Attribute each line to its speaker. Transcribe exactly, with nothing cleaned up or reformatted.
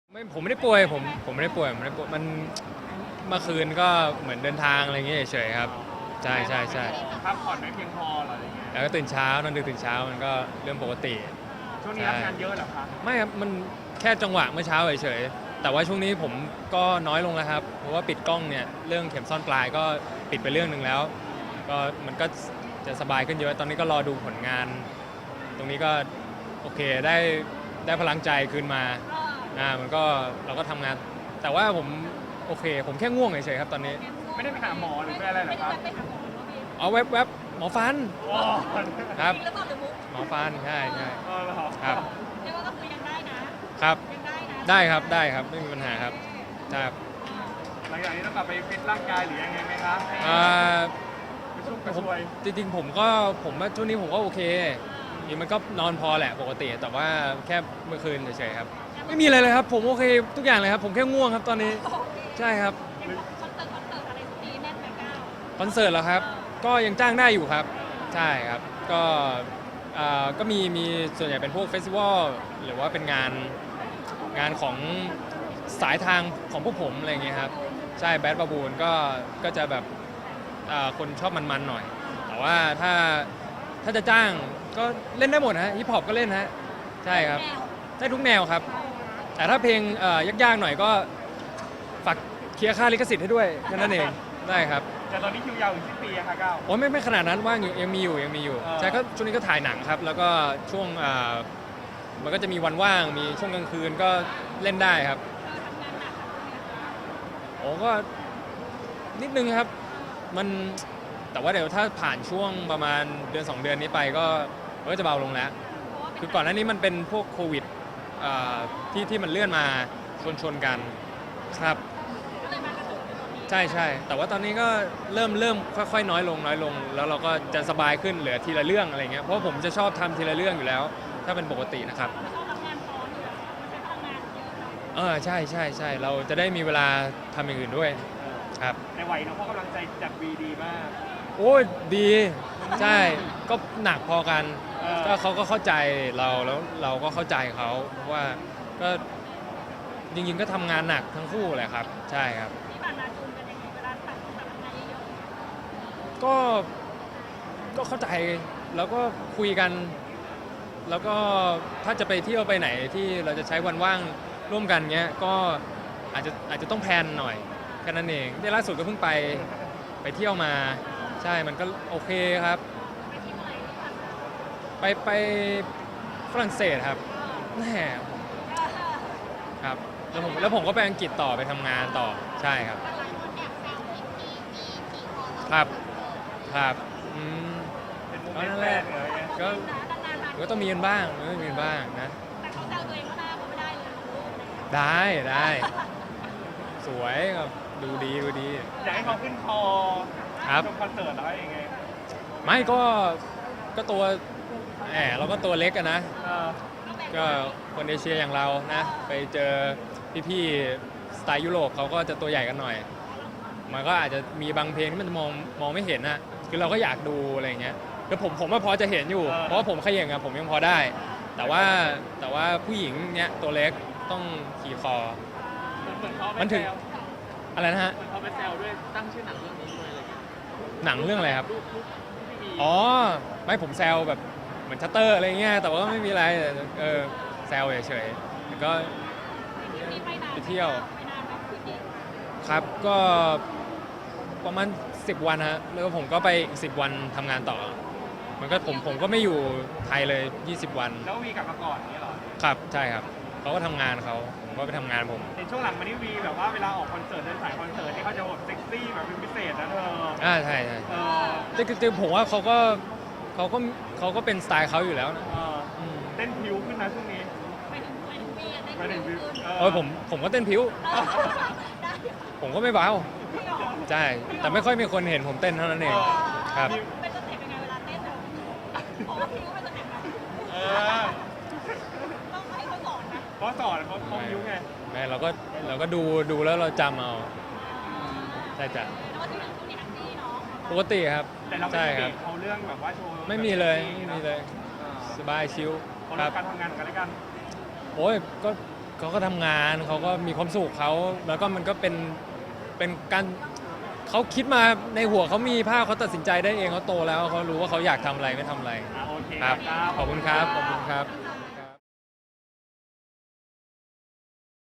Speaker 1: ไม่ผมไม่ได้ป่วยผมผมไม่ได้ป่วยผมไม่ได้ป่วยมันเมื่อคืนก็เหมือนเดินทางอะไรอย่างเงี้ยเฉยๆครับใช่ใช่ใช่
Speaker 2: พักผ่อนไม่เพียงพอเหรออะไรเงี้ย
Speaker 1: แล้วก็ตื่นเช้านอนดึกตื่นเช้ามันก็เรื่องปกติ
Speaker 2: ช่วงนี้รับงานเยอะเหรอคะ
Speaker 1: ไม่ครับมันแค่จังหวะเมื่อเช้าเฉยๆแต่ว่าช่วงนี้ผมก็น้อยลงแล้วครับเพราะว่าปิดกล้องเนี่ยเรื่องเข็มซ่อนปลายก็ปิดไปเรื่องหนึ่งแล้วก็มันก็จะสบายขึ้นเยอะตอนนี้ก็รอดูผลงาน ตรงนี้ก็โอเคได้ได้พลังใจคืนมาอ่ามันก็เราก็ทำงาน แต่ว่าผมโอเค ผมแค่ง่วงเฉยๆครับตอนนี้
Speaker 2: ไม่ได้ไปหาหมอหรือไปอะไรเหรอครับ
Speaker 1: เอาแวบๆบหมอฟัน
Speaker 2: โอ้
Speaker 1: ครับ
Speaker 3: หรือเปล่าหรือมุก
Speaker 1: หมอฟันใช่ใช่
Speaker 2: เออเหรอ
Speaker 1: ครับ
Speaker 3: เรียกว่าก็คือยังได้นะครับยังได้นะ
Speaker 1: ได้ครับได้ครับไม่มีปัญหาครับครับ
Speaker 2: หลังจากนี้ต้องกลับไปฟิตร่างกายหรือยังไงไหมครับ
Speaker 1: อ่า
Speaker 2: ไปชุ่มกระ
Speaker 1: ผม
Speaker 2: ชวย
Speaker 1: จริงๆผมก็ผมว่าช่วงนี้ผมก็โอเคจริงมันก็นอนพอแหละปกติ แต่ว่าแค่เมื่อคืนเฉยๆครับไม่มีอะไรเลยครับผมโอเคทุกอย่างเลยครับผมแค่ง่วงครับตอนนี้ใช่ครับ
Speaker 3: คอนเสิร์ตคอนเสิร์ตอะไรสักทีแน่นไปเก้า
Speaker 1: คอนเสิร์ตเหรอครับก็ยังจ้างได้อยู่ครับใช่ครับก็อ่าก็มีมีส่วนใหญ่เป็นพวกเฟสติวัลหรือว่าเป็นงานงานของสายทางของพวกผมอะไรอย่างเงี้ยครับใช่แบดบาบูนก็ก็จะแบบอ่าคนชอบมันๆหน่อย แต่ว่าถ้าถ้าจะจ้างก็เล่นได้หมดฮะฮิปฮอปก็เล่นฮะใช่ครับได้ทุกแนวครับแต่ถ้าเพลงเอ่อยากๆหน่อยก็ฝากเคลียร์ค่าลิขสิทธิ์ให้ด้วยแค่นั้นเองได้ครับ
Speaker 2: แต่ตอนนี้คิวยาวถึงสิ้นปีอะค่ะก้าว
Speaker 1: โอ้ไม่ไม่ขนาดนั้นว่างอยู่ยังมีอยู่ยังมีอยู่
Speaker 2: อ่า
Speaker 1: ใช่ก็ช่วงนี้ก็ถ่ายหนังครับ แล้วก็ช่วงอ่ามันก็จะมีวันว่างมีช่วงกลางคืนก็เล่นได้ครับโอ้ก็นิดนึงครับมันแต่ว่าเดี๋ยวถ้าผ่านช่วงประมาณเดือนสองเดือนนี้ไปก็มันก็จะเบาลงแล้ว คือก่อนหน้านี้มันเป็นพวกโควิดอ่าที่ที่มันเลื่อนมาชนชนกันครับใช่ใช่แต่ว่าตอนนี้ก็เริ่มเริ่มค่อยๆน้อยลงน้อยลง แล้วเราก็จะสบายขึ้นเหลือทีละเรื่องอะไรเงี้ยเพราะผมจะชอบทำทีละเรื่องอยู่แล้ว ถ้าเป็นปกตินะครับเออใช่ใช่ใช่เราจะได้มีเวลาทำอย่างอื่นด้วยครับ
Speaker 2: ในวัยน้องพ่อกำลังใจจากวีดีมาก
Speaker 1: โอ้ยดีใช่ก็หนักพอกัน
Speaker 2: เออ
Speaker 1: ก็เขาก็เข้าใจเราแล้วเราก็เข้าใจเขาเพราะว่าก็จริงๆก็ทำงานหนักทั้งคู่แหละครับใช่ครับ
Speaker 3: ที่ผ่านมาจูนกันยังไงเวลาตัดตัดงานเยอะ
Speaker 1: ก็ก็เข้าใจแล้วก็คุยกัน แล้วก็ถ้าจะไปเที่ยวไปไหนที่เราจะใช้วันว่างร่วมกันเงี้ยก็อาจจะอาจจะต้องแพลนหน่อยแค่นั้นเองที่ล่าสุดก็เพิ่งไปไปเที่ยวมาใช่มันก็โอเคครับ
Speaker 3: ไปที่เมื่อไหร่ที่ผ่านมา
Speaker 1: ไปไปฝรั่งเศสครับแหมครับแล้วผมแล้วผมก็ไปอังกฤษต่อไปทำงานต่อใช่ครับครับครับอืม
Speaker 2: เป็นโม
Speaker 1: ก็
Speaker 2: เมน
Speaker 1: นั่
Speaker 2: ต์
Speaker 1: น
Speaker 2: แร
Speaker 1: แหละ
Speaker 2: กเลยไง
Speaker 1: ก็
Speaker 3: นานๆ
Speaker 1: ก็ต้องมีกันบ้างก็ต้องมีกันบ้างนะ
Speaker 3: แต่เขาแซวตัวเองก็น่าเขาไม่ได้เลยลูก
Speaker 1: ได้ได้สวยครับดูดีดูดี
Speaker 2: อยากให้เขาขึ้นคอ
Speaker 1: ครับ
Speaker 2: ชมคอนเสิร์ตแล้วยังไง
Speaker 1: ไม่ก็ก็ตัวแหมเราก็ตัวเล็กอะนะ
Speaker 2: เออ
Speaker 1: ก็คนเอเชียอย่างเรานะไปเจอพี่ๆสไตล์ยุโรปเขาก็จะตัวใหญ่กันหน่อย มันก็อาจจะมีบางเพลงที่มันมองมองไม่เห็นนะคือเราก็อยากดูอะไรอย่างเงี้ยคือผมผมว่าพอจะเห็นอยู่ เพราะว่าผมเขย่งอะผมยังพอได้ แต่ว่าแต่ว่าผู้หญิงเนี้ยตัวเล็กต้องขี่คอ
Speaker 2: เหมือนเขาไป
Speaker 1: มันถึง
Speaker 2: แซว
Speaker 1: อะไรนะฮะ
Speaker 2: เหมือนเขาไปแซวด้วยตั้งชื่อหนังเรื่องนี้ด้วยอะไรเงี้ย
Speaker 1: หนังเรื่องอะไรครับ
Speaker 2: รูปรูปที่มี
Speaker 1: อ๋อไม่ผมแซวแบบเหมือนชัตเตอร์อะไรเงี้ยแต่ว่าก็ไม่มีอะไรเออแซวเฉยๆแล้วก็
Speaker 3: นี่ไปนาน
Speaker 1: ไปเที่ยว
Speaker 3: ไปนานแบบคือดี
Speaker 1: ครับก็ประมาณสิบวันฮะแล้วผมก็ไปอีกสิบวันทำงานต่อ มันก็ผมผมก็ไม่อยู่ไทยเลยยี่สิบวัน
Speaker 2: แล้ววีกลับมาก่อนอย่างนี้เหรอ
Speaker 1: ครับใช่ครับเขาก็ทำงานเขาผมก็ไปทำงานผม
Speaker 2: ในช่วงหลังมานี่วีแบบว่าเวลาออกคอนเสิร์ตเดินสายคอนเสิร์ตนี่เขาจะแบบเซ็กซี่แบบเป็นพิเศษนะเธอ
Speaker 1: อ่าใช่ใช่
Speaker 2: เออ
Speaker 1: แต่คือคือผมว่าเขาก็เขาก็เขาก็เป็นสไตล์เขาอยู่แล้วนะ
Speaker 2: เออ
Speaker 1: อืม
Speaker 2: เต้นพิวขึ้นนะช่วงนี้
Speaker 3: ไปถึงไปถึงปีอะได้
Speaker 2: ไปถึง
Speaker 3: ขึ้น
Speaker 1: เออผมผมก็เต้นผิว
Speaker 3: ได้
Speaker 1: ผมก็ไม่เบา
Speaker 3: ไม่หรอก
Speaker 1: ใช่แต่ไม่ค่อยมีคนเห็นผมเต้นเท่านั้นเองครับ
Speaker 3: เป็นสเต็ปยังไงเวลาเต้นอะเพราะว่าพิวเป็นสเต็ปแบบ
Speaker 2: เออ
Speaker 3: ต้องให้เขาสอนนะ
Speaker 2: เขาสอนเขาเขาพิวไง
Speaker 1: ไม่เราก็เราก็ดูดูแล้วเราจำเอาใช่จ้ะ
Speaker 3: แล้วก็ที่หลังช่วงนี้แฮปปี้เนาะ
Speaker 1: ปกติครับ
Speaker 2: แต่เราไม่
Speaker 1: ใช่
Speaker 2: ได้
Speaker 1: ค
Speaker 2: เบร
Speaker 1: รับ
Speaker 2: กเขาเรื่องแบบว่าโชว์
Speaker 1: ไม่มีเลยไม่มีเลย
Speaker 2: เออ
Speaker 1: สบายชิล
Speaker 2: เขา
Speaker 1: ค
Speaker 2: เรื่
Speaker 1: รั
Speaker 2: อบ งการทำงานของกันและกัน
Speaker 1: โอ้ยก็เขาก็ทำงานเขาก็มีความสุขเขาแล้วก็มันก็เป็นเป็นการเขาคิดมาในหัวเขามีภาพเขาตัดสินใจได้เองเขาโตแล้วเขารู้ว่าเขาอยากทำอะไรไม่ทำอะไร
Speaker 2: อ่ะโอเค
Speaker 1: ครับ
Speaker 2: ครับ
Speaker 1: ขอบคุณครับขอบคุณครับ
Speaker 3: อ่า